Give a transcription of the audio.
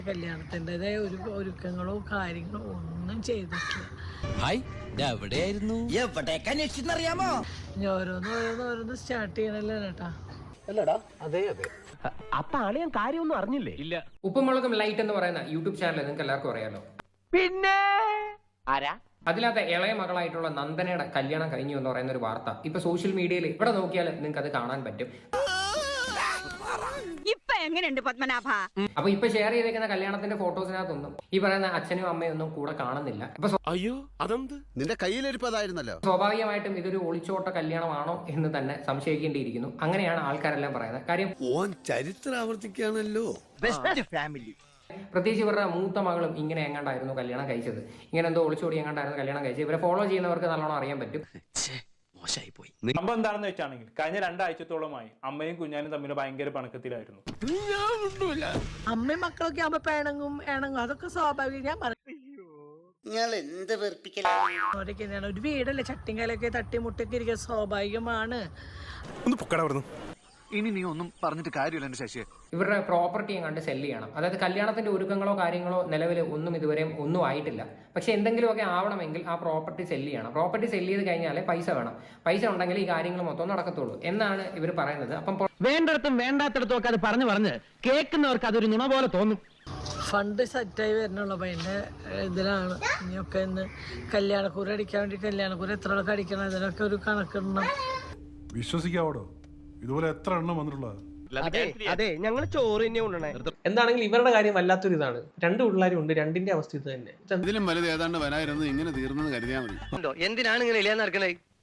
കല്യാണത്തിൻ്റെതായ ഒരുക്കങ്ങളോ കാര്യങ്ങളോ ഒന്നും ചെയ്തിട്ടില്ല. എവിടെയായിരുന്നു എവിടേക്കാ അറിയാമോ? ഇനി ഓരോന്ന് സ്റ്റാർട്ട് ചെയ്യണല്ലോ ചേട്ടാ. അപ്പൊ ആളെ ഞാൻ കാര്യമൊന്നും അറിഞ്ഞില്ലേ? ഇല്ല. ഉപ്പുമുളകും ലൈറ്റ് എന്ന് പറയുന്ന യൂട്യൂബ് ചാനൽ നിങ്ങൾക്ക് എല്ലാവർക്കും അറിയാലോ. പിന്നെ ആരാ? അതിനകത്ത് ഇളയ മകളായിട്ടുള്ള നന്ദനയുടെ കല്യാണം കഴിഞ്ഞു എന്ന് പറയുന്ന ഒരു വാർത്ത ഇപ്പൊ സോഷ്യൽ മീഡിയയിൽ ഇവിടെ നോക്കിയാൽ നിങ്ങൾക്ക് അത് കാണാൻ പറ്റും. ഇപ്പൊ എങ്ങനെയുണ്ട് പത്മനാഭ? അപ്പൊ ഇപ്പൊ ഷെയർ ചെയ്തേക്കുന്ന കല്യാണത്തിന്റെ ഫോട്ടോസിനകത്തൊന്നും ഈ പറയുന്ന അച്ഛനും അമ്മയും ഒന്നും കൂടെ കാണുന്നില്ല. അയ്യോ അതെന്ത് നിന്റെ കയ്യിലിരിപ്പതായിരുന്നല്ലോ. സ്വാഭാവികമായിട്ടും ഇതൊരു ഒളിച്ചോട്ട കല്യാണമാണോ എന്ന് തന്നെ സംശയിക്കേണ്ടിയിരിക്കുന്നു. അങ്ങനെയാണ് ആൾക്കാരെല്ലാം പറയുന്നത്. കാര്യം ഓൻ ചരിത്രം ആവർത്തിക്കുകയാണല്ലോ. Best family. പ്രത്യേകിച്ച് ഇവരുടെ മൂത്ത മകളും ഇങ്ങനെ എങ്ങാണ്ടായിരുന്നു കല്യാണം കഴിച്ചത്. ഇങ്ങനെ എന്തോ ഒളിച്ചോടി എങ്ങാണ്ടായിരുന്നു കല്യാണം കഴിച്ചത്. ഇവരെ ഫോളോ ചെയ്യുന്നവർക്ക് നല്ലോണം അറിയാൻ പറ്റും. സംഭവം എന്താണെന്ന് വെച്ചാണെങ്കിൽ കഴിഞ്ഞ 2 ആഴ്ചത്തോളമായി അമ്മയും കുഞ്ഞാനും തമ്മിൽ ഭയങ്കര പണക്കത്തിലായിരുന്നു. അമ്മയും മക്കളൊക്കെ ആവുമ്പോ പിണങ്ങും അതൊക്കെ സ്വാഭാവികം. ഞാൻ പറഞ്ഞു ഒരു വീടല്ലേ, ചട്ടിങ്കലൊക്കെ തട്ടിമുട്ടൊക്കെ ഇരിക്കുക സ്വാഭാവികമാണ്. ഇനി നീ ഒന്നും പറഞ്ഞിട്ട് കാര്യമില്ല എന്റെ ശശിയെ. ഇവരുടെ പ്രോപ്പർട്ടി കണ്ട് സെല്ല് ചെയ്യണം. അതായത് കല്യാണത്തിന്റെ ഒരുക്കങ്ങളോ കാര്യങ്ങളോ നിലവിൽ ഒന്നും ഇതുവരെയും ഒന്നും ആയിട്ടില്ല. പക്ഷെ എന്തെങ്കിലുമൊക്കെ ആവണമെങ്കിൽ ആ പ്രോപ്പർട്ടി സെല്ല് ചെയ്യണം. പ്രോപ്പർട്ടി സെല്ല് ചെയ്ത് കഴിഞ്ഞാലേ പൈസ വേണം. പൈസ ഉണ്ടെങ്കിൽ ഈ കാര്യങ്ങൾ മൊത്തം നടക്കത്തുള്ളൂ എന്നാണ് ഇവർ പറയുന്നത്. അപ്പം വേണ്ടിടത്തും വേണ്ടാത്തിടത്തും ഒക്കെ അത് പറഞ്ഞ് കേൾക്കുന്നവർക്ക് അതൊരു നുണ പോലെ തോന്നും. ഫണ്ട് സെറ്റായി വരണുള്ളൂ. അപ്പൊ അതിന്റെ ഇതിലാണ് ഇനിയൊക്കെ ഇന്ന് കല്യാണക്കൂര അടിക്കാൻ വേണ്ടി കല്യാണക്കൂര എത്ര ആൾക്ക് അടിക്കണം ഇതിനൊക്കെ ഒരു കണക്കിടണം. വിശ്വസിക്കാവോടോ? ഇതുപോലെ എത്ര എണ്ണം വന്നിട്ടുള്ളത്? അതെ ഞങ്ങൾ ചോറ് തന്നെ കൊണ്ടുവന്നേ. എന്താണെങ്കിലും ഇവരുടെ കാര്യം വല്ലാത്തൊരു ഇതാണ്. 2 പിള്ളേരും ഉണ്ട്, രണ്ടിന്റെ അവസ്ഥ ഇത് തന്നെ. ഇതിലും വലുത് ഏതാണ്ട് വരായിരുന്നു. ഇങ്ങനെ തീർന്നെന്ന് കരുതിയാൽ മതി. എന്തിനാണ് ഇങ്ങനെ ഇല്ലാന്ന് നടക്കണേ?